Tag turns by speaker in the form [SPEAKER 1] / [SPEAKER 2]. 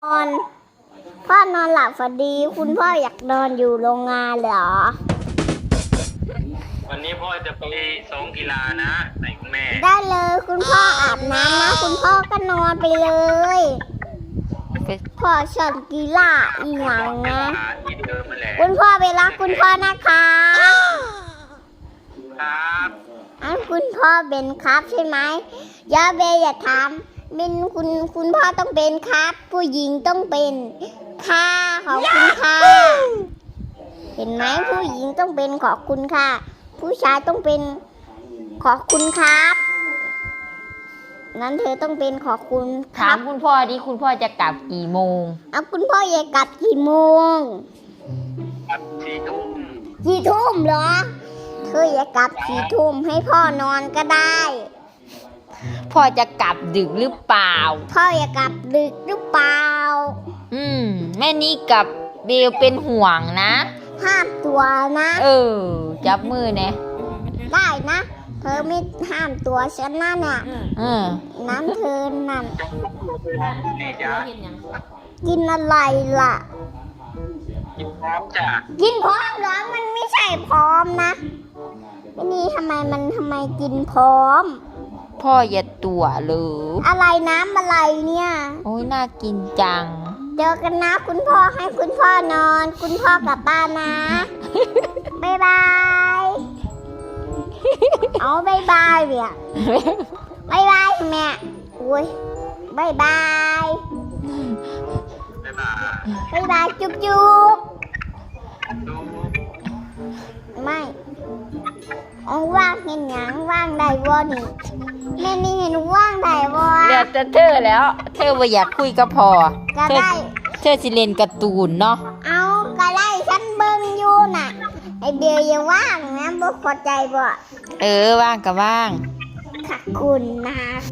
[SPEAKER 1] นอนพ่อนอนหลับฝันดีคุณพ่ออยากนอนอยู่โรงงานเหรอ
[SPEAKER 2] วันนี้พ่อจะไปซ้อมกีฬานะไหนคุณแม่
[SPEAKER 1] ได้เลยคุณพ่ออาบน้ำนะคุณพ่อก็นอนไปเลยพ่อชอบกีฬาอีหยังนะคุณพ่อไปรักคุณพ่อนะคะ
[SPEAKER 2] ครับ
[SPEAKER 1] คุณพ่อเป็นครับใช่ไหมอย่าเบย์อย่าถามมินคุณพ่อต้องเป็นครับผู้หญิงต้องเป็นค่ะขอบคุณค่ะเห็นไหมผู้หญิงต้องเป็นขอบคุณค่ะผู้ชายต้องเป็นขอบคุณครับนั้นเธอต้องเป็นขอบคุณ
[SPEAKER 3] ถามคุณพ่อดิคุณพ่อจะกลับกี่โมง
[SPEAKER 1] คุณพ่อจะกลับกี่โมง
[SPEAKER 2] 4 ทุ่ม
[SPEAKER 1] 4 ทุ่มเหรอเธอจะกลับ4 ทุ่มให้พ่อนอนก็ได้
[SPEAKER 3] พ่อจะกลับดึกหรือเปล่า
[SPEAKER 1] พ่อจะกลับดึกหรือเปล่า
[SPEAKER 3] แม่นี่กับเบลเป็นห่วงนะ
[SPEAKER 1] ห้ามตัวนะ
[SPEAKER 3] จับมือเนี่ย
[SPEAKER 1] ได้นะเธอไม่ห้ามตัวฉันนั่นน่ะน้ำเธอนั่นกินอะไรล่ะ
[SPEAKER 2] กินพร้อมจ้ะ
[SPEAKER 1] กินพร้อมเหรอมันไม่ใช่พร้อมนะไม่นี่ทำไมกินพร้อม
[SPEAKER 3] พ่ออย่าตัวหรือ
[SPEAKER 1] อะไรน้ำอะไรเนี่ย
[SPEAKER 3] โอ้ยน่ากินจัง
[SPEAKER 1] เจอกันนะคุณพ่อให้คุณพ่อนอนคุณพ่อกลับบ้านนะบ๊ายบายเอาบ๊ายบายเนี่ยบ๊ายบายแม่อุ้ยบ๊ายบายบ๊ายบายจุ๊บจุ๊บไม่ว่างเห็นหยังว่างได้บ่นี่แม่นี่เห็นว่างได้บ่
[SPEAKER 3] เดี๋ยวจะเธอแล้วเธอว่าอยากคุยกับพ่อ
[SPEAKER 1] ก็ได้
[SPEAKER 3] เธอสิเล่นการ์ตูนเนาะ
[SPEAKER 1] ก็ได้ฉันเบิ่งอยู่น่ะไอเดียวอย่าว่างนะบ่เข้าใจบ่
[SPEAKER 3] ว่างก็ว่าง
[SPEAKER 1] ขอบคุณนะ